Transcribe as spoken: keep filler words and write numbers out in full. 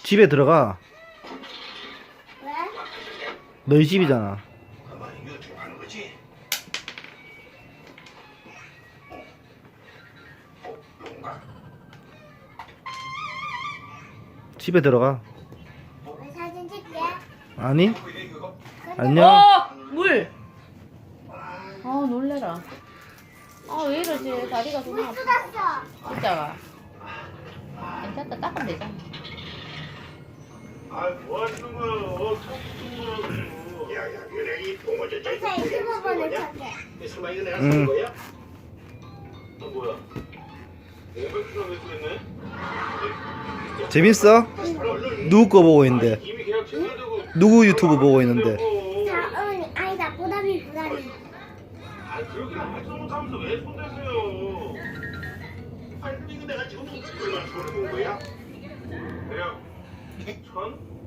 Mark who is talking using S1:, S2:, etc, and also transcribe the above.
S1: 집에 들어가.
S2: 왜?
S1: 너희 집이잖아.
S3: 아마 이거 좀 하는 거지? 어, 뭔가?
S1: 집에 들어가.
S2: 왜 사진 찍게?
S1: 아니?
S3: 이거 이거
S1: 안녕.
S4: 어! 물! 아 놀래라. 아 왜 이러지? 다리가
S2: 물
S4: 너무 아파.
S2: 쏟았어.
S4: 진짜가. 괜찮다. 닦으면 되잖아.
S3: 아, 뭐 하시는 거야? 처음 야, 야, 그래 이 봉어제 저
S2: 아까 이십오 번을 쳤대.
S3: 설마 이거 내가
S1: 응.
S3: 산 거야? 아, 뭐야? 오백킬로그램 왜 그랬네?
S1: 재밌어? 누구 거 보고 있는데?
S3: 이미 그냥 제대로
S1: 누구 유튜브 보고 있는데?
S2: 자, 응, 아니다. 보담이, 보담이.
S3: 아, 그렇게 말도 못하면서 왜 손대세요? 아니, 근데 이거 내가 지금 얼마나 손해 본 거야? 대략 천?